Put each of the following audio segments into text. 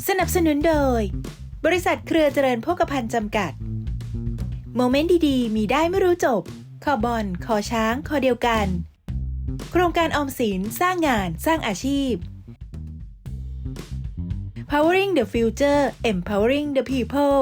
สนับสนุนโดยบริษัทเครือเจริญโภคภัณฑ์จำกัดโมเมนต์ดีๆมีได้ไม่รู้จบคอบอลคอช้างคอเดียวกันโครงการออมสินสร้างงานสร้างอาชีพ Powering the Future Empowering the People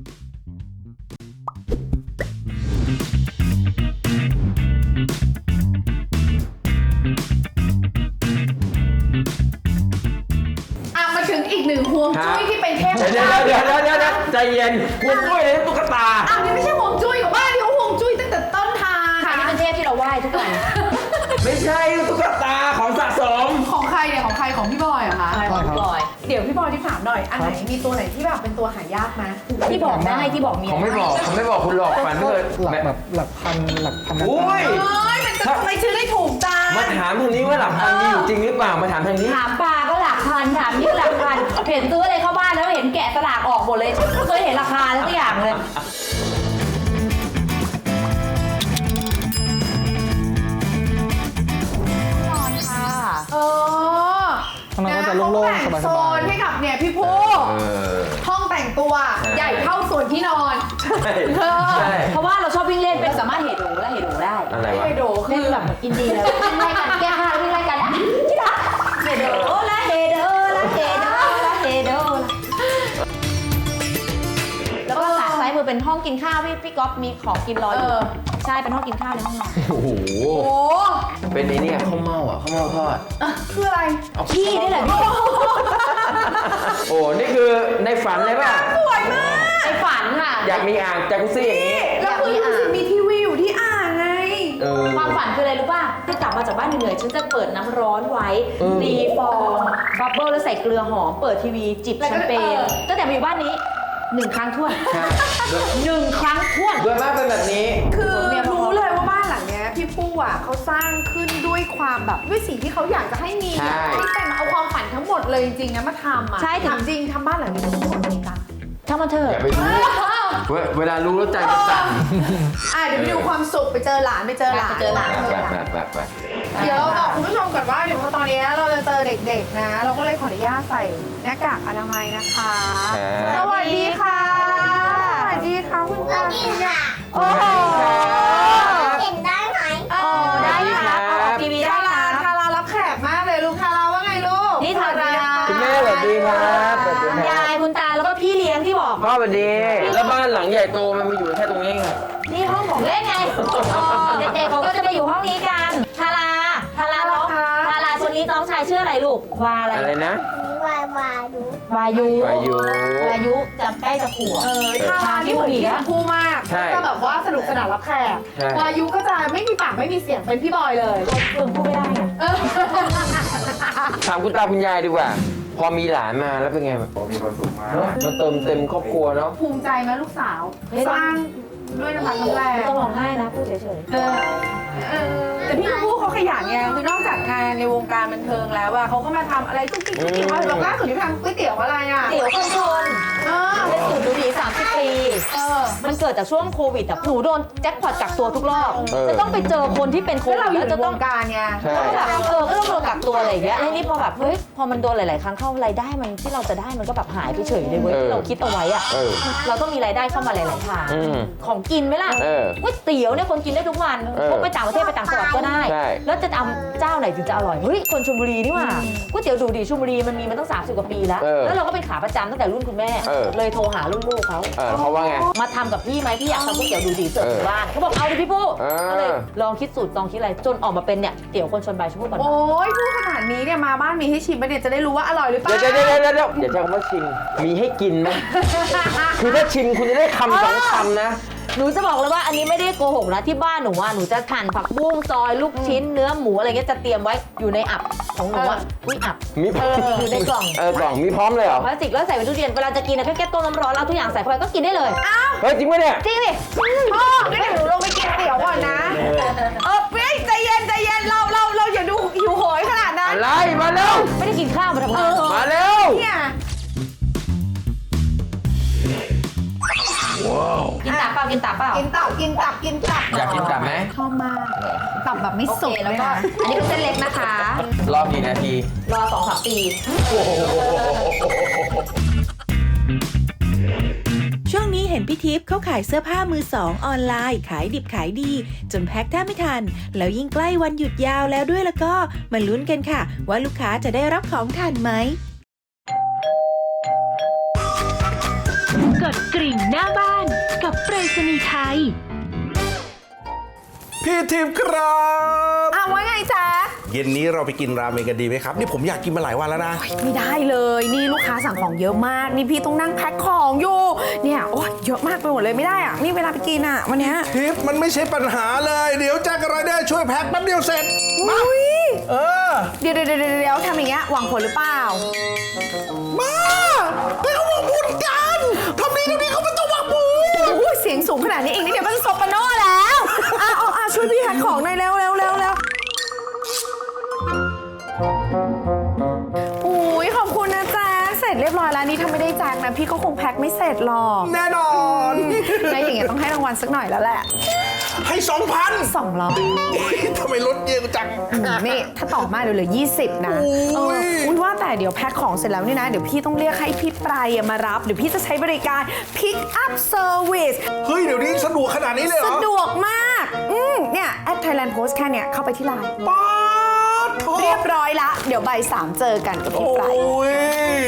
มาถึงอีกหนึ่งห่วงจุ้ยที่เป็นเทพเดี๋ยวใจเย็นห่วงจุ้ยเลยตุ๊กตานี่ไม่ใช่ห่วงจุ้ยของบ้านนี่ห่วงจุ้ยตั้งแต่ต้นทางอันนี้เป็นเทพที่เราไหว้ทุกวันไม่ใช่ตุ๊กตาของสะสมของใครเนี่ยของใครของพี่บอยเหรอคะของพี่บอยเดี๋ยวพี่บอยที่ถามหน่อยอันไหนมีตัวไหนที่แบบเป็นตัวหายากไหมที่บอกได้ที่บอกเมียผมไม่บอกคุณหรอกฝันเลยหลักพันโอ้ยมันจะทำไมชื่อได้ถูกจังมาถามทางนี้ว่าหลักพันมีอยู่จริงหรือเปล่ามาถามทางนี้ถามปลาก็หลักพันถามนี่หลักพันเห็นซื้ออะไรเข้าบ้านแล้วเห็นแกะสลากออกหมดเลยไม่เคยเห็นราคาแล้วทุกอย่างเลยนอนค่ะข้างนอกก็จะโล่งๆสบายๆโซนให้กับเนี่ยพี่ผู้ห้องแต่งตัวใหญ่เท่าส่วนที่นอนใช่เพราะว่าเราชอบวิ่งเล่นเป็นสามารถเฮโดและเฮโดได้อะไรวะไฮโดคืเล่นอแบบอินดี้เลยวิ่งไล่กันแก้ผ้าวิ่งไล่กันที่รักเฮโดและเฮโดและเฮโดและเฮโดแล้วก็ขาซ้ายมือเป็นห้องกินข้าวพี่ก๊อฟมีของกินรออยู่ใช่เป็นห้องกินข้าวในห้องนอนโอ้โหโอ้เป็นไอ้เนี่ยข้าวเม่าอ่ะข้าวเม่าทอดคืออะไรขี้นี่แหละพี่โอ้นี่คือในฝันเลยป่ะสวยมากไอฝันค่ะอยากมีอ่างจากุซี่อย่างนี้แล้วคือรู้สึกมีทีวีอยู่ที่อ่างไงความฝันคืออะไรรู้ป่ะที่กลับมาจากบ้านเหนื่อยๆฉันจะเปิดน้ำร้อนไว้ตีฟองบับเบิ้ลแล้วใส่เกลือหอมเปิดทีวีจิบแชมเปญตั้งแต่มาอยู่บ้านนี้1 ครั้งท้วนใช่ 1 ครั้งท้วนโดยมากเป็นแบบนี้คือรู้เลยว่าบ้านหลังเนี้ยพี่ผู้อ่ะเขาสร้างขึ้นด้วยความแบบด้วยสิ่งที่เขาอยากจะให้มีใช่ที่แต่เอาความฝันทั้งหมดเลยจริงๆนะมาทำอ่ะใช่ถามจริงทำบ้านหลังนี้ทั้งหมดเลยกันช่างมันเถออะย่าไปรู้เวลารู้แล้วใจมันสั่นเดี๋ยวไปดูความสุขไปเจอหลานไปเจอหลานไปเจอหลานแบบเดี๋ยวเราบอกคุณผู้ชมก่อนว่าเดี๋ยวตอนนี้เราจะเจอเด็กๆนะ เราก็เลยขออนุญาตใส่หน้ากากอนามัยนะคะสวัสดีค่ะสวัสดีค่ะคุณตาโอ้โหเห็นได้ไหมได้ค่ะออกทีวีได้ทาราค่ะทารารับแขกมากเลยลูกทาราว่าไงลูกนี่ทาราคุณแม่สวัสดีครับสวัสดีคุณครัยายบคุณตาแล้วก็พี่เลี้ยงที่บอกพ่อสวัสดี แล้วบ้านหลังใหญ่โตมันมีอยู่แค่ตรงนี้ไงนี่ห้องของเล่นไงเด็กๆเขาก็จะไปอยู่ห้องนี้กันทาราน้องทาราคนนี้น้องชายชื่ออะไรลูกวาอะไรอะไรนะวาดูวายุวายุจะใกล้จะขวบทาราที่เหมือนพี่ชมพู่มากใช่ก็แบบว่าสนุกสนานรับแขกใช่วายุก็จะไม่มีปากไม่มีเสียงเป็นพี่บอยเลยเพิ่งพูดไม่ได้ไงถามคุณตาคุณยายดีกว่า พอมีหลานมาแล้วเป็นไงแบบมีความสุขมากมันเติมเต็มครอบครัวเนาะภูมิใจไหมลูกสาว สร้างด้วยน้ำพักน้ำแรงไม่ต้องร้องไห้นะพูดเฉยแต่พี่ชมพู่เขาขยันไงคือนอกจากงานในวงการบันเทิงแล้วอะเขาก็มาทำอะไรทุกที่เราล่าสุดที่ทำก๋วยเตี๋ยวอะไรอะๆเดี๋ยวคนชนเออเป็นสูตรดูดี30 ปี มันเกิดจากช่วงโควิดอ่ะหนูโดนแจ็คพอตกักตัวทุกรอบ จะต้องไปเจอคนที่เป็นโคแล้ววิเราอยู่ดแล้วในจะวต้องงการไงใช่แบบก็ต้องโดนกักตัวอะไรอย่างเงี้ยแล้วนี่พอแบบเฮ้ยพอมันโดนหลาย ๆ ครั้งเข้ารายได้มันที่เราจะได้มันก็แบบหายไปเฉยเลยเว้ยที่เราคิดเอาไว้อ่ะเราต้องมีรายได้เข้ามาหลาย ๆ ทางของกินไหมล่ะก๋วยเตี๋ยวเนี่ยคนกินได้ทุกวันพวกไปต่างประเทศไปต่างจังหวัดก็ได้ แล้วจะทำเจ้าไหนถึงจะอร่อยเฮ้ยคนชลบุรีนี่หว่าก๋วยเตี๋ยวดูดีชลบุรีมันมีมาตั้ง30 กว่าปีแล้วแล้วเราก็เป็นขาประจำตั้งแต่รุ่นคุณแม่เลยโทรหารุ่นลูกเขาเขาว่าไงมาทำกับพี่ไหมพี่อยากทำก๋วยเตี๋ยวดูดีเสิร์ฟถึงบ้านเขาบอกเอาดิพี่ผู้ก็เลยลองคิดสูตรลองคิดอะไรจนออกมาเป็นเนี่ยเตี๋ยวคนชนใบชมพู่ก่อนโอ้ยพูดขนาดนี้เนี่ยมาบ้านมีให้ชิมไปเนี่ยจะได้รู้ว่าอร่อยหรือเปล่าเดี๋ยวอย่าใช้คำว่าชิมมีให้กินไหมคือถ้าชิมคุณจะได้คำ2 คำนะหนูจะบอกเลยว่าอันนี้ไม่ได้โกหกนะที่บ้านหนูว่าหนูจะหั่นผักบุ้งซอยลูกชิ้นเนื้อหมูอะไรเงี้ยจะเตรียมไว้อยู่ในอับของหนูอ่ะอุ้ยอับมีอยู่ในกล่องกล่องมีพร้อมเลยเหรอพลาสติกแล้วใส่ไว้ตู้เย็นเวลาจะกินนะแค่ต้มน้ำร้อนแล้วทุกอย่างใส่เข้าไปก็กินได้เลยเฮ้ยจริงไหมเนี่ยจริงดิพ่องั้นเดี๋ยวหนูลงไปกินเตี๋ยวก่อนนะเฮ้ยใจเย็นเราอย่าดูหิวโหยขนาดนั้นอะไรมาเร็วไม่ได้กินข้าวมาทำงานมาเร็วเนี่ยกินตับเปล่ากินตับเปล่ากินตับอยากกินตับไหมชอบมากตับแบบไม่สุกแล้วก็อันนี้เป็นเส้นเล็กนะคะรอกี่นาทีรอ2-3 ปีโอ้โหช่วงนี้เห็นพี่ทิพย์เขาขายเสื้อผ้ามือสองออนไลน์ขายดิบขายดี จนแพ็คแทบไม่ทัน แล้วยิ่งใกล้วันหยุดยาวแล้วด้วยแล้วก็มาลุ้นกันค่ะ ว่าลูกค้าจะได้รับของทันไหม กดกริ่งหน้าบ้านกับไปรษณีย์ไทยพี่ทิพย์ครับว่าไงจ๊ะเย็นนี้เราไปกินราเมงกันดีไหมครับ นี่ผมอยากกินมาหลายวันแล้วนะไม่ได้เลยนี่ลูกค้าสั่งของเยอะมากนี่พี่ต้องนั่งแพ็คของอยู่เนี่ยโอ้ยเยอะมากไปหมดเลยไม่ได้อะนี่เวลาไปกินอะวันเนี้ยทิพย์มันไม่ใช่ปัญหาเลย เดี๋ยวแจ็คกับไรเดอร์ช่วยแพ็คแป๊บเดียวเสร็จมาอุ้ยเออเดี๋ยวทำอย่างเงี้ยหวังผลหรือเปล่ามาให้เขาบอกบุญกันทำดีเขาไม่ต้องหวังบุญโอ้ยเสียงสูงขนาดนี้อีกนิดเดียวก็จะโซปราโน่แล้วช่วยพี่แพ็คของหน่อยเร็วอุ้ยขอบคุณนะแจ๊คเสร็จเรียบร้อยแล้วนี่ถ้าไม่ได้แจ๊คนะพี่ก็คงแพ็คไม่เสร็จหรอกแน่นอนแล้วอย่างเงี้ยต้องให้รางวัลสักหน่อยแล้วแหละให้ 2,000 200 ทำไมลดเยอะจังนี่ถ้าต่อมาเดี๋ยวเหลือ20นะโอ้ยอุ้ยว่าแต่เดี๋ยวแพ็คของเสร็จแล้วนี่นะเดี๋ยวพี่ต้องเรียกให้พี่ปรายมารับเดี๋ยวพี่จะใช้บริการ Pick Up Service เฮ้ยเดี๋ยวนี้สะดวกขนาดนี้เลยเหรอสะดวกมากเนี่ยแอด Thailand Post แค่เนี้ยเข้าไปที่ไลน์ป๊าดโถเรียบร้อยละเดี๋ยวบ่าย3เจอกันกับพี่ปรายโอ้ย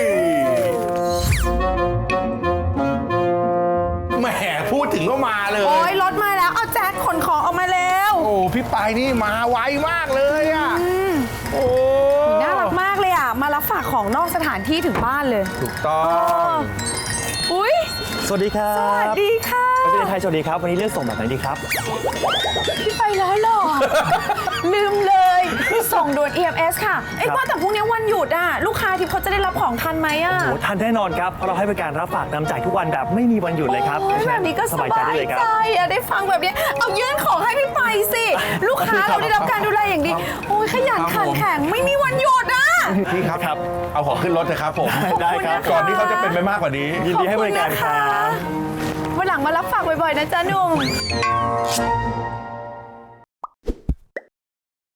แหมพูดถึงก็มาเลยโอ้ยรถมาแล้วเอาแจ็คขนของออกมาแล้วโอ้พี่ปายนี่มาไวมากเลยอ่ะโอ้น่ารักมากเลยอ่ะมารับฝากของนอกสถานที่ถึงบ้านเลยถูกต้องอุ้ยสวัสดีครับสวัสดีค่ะประเทศไทยสวัสดีครับ วันนี้เลือกส่งแบบไหนดีครับพี่ไปแล้วเหรอ ลืมเลยส่งด่วน EMS ค่ะว่าแต่พรุ่งนี้วันหยุดอ่ะลูกค้าที่เขาจะได้รับของทันไหมอ่ะโอ้ทันแน่นอนครับ เพราะเราให้บริการรับฝากนำจ่ายทุกวันแบบไม่มีวันหยุดเลยครับโอ้ยแบบนี้ก็สบายใจได้เลยครับอะได้ฟังแบบนี้เอายื่นของให้พี่ไปสิ ลูกค้าเราได้รับการดูแลอย่างดี โอ้ยขยันขันแข็งไม่มีวันหยุดอ่ะพี่ครับครับเอาของขึ้นรถเถอะครับผมได้ครับก่อนที่เขาจะเป็นไปมากกว่านี้ยินดีให้บริการครับวันหลังมารับฝากบ่อยๆนะจ๊ะหนุ่ม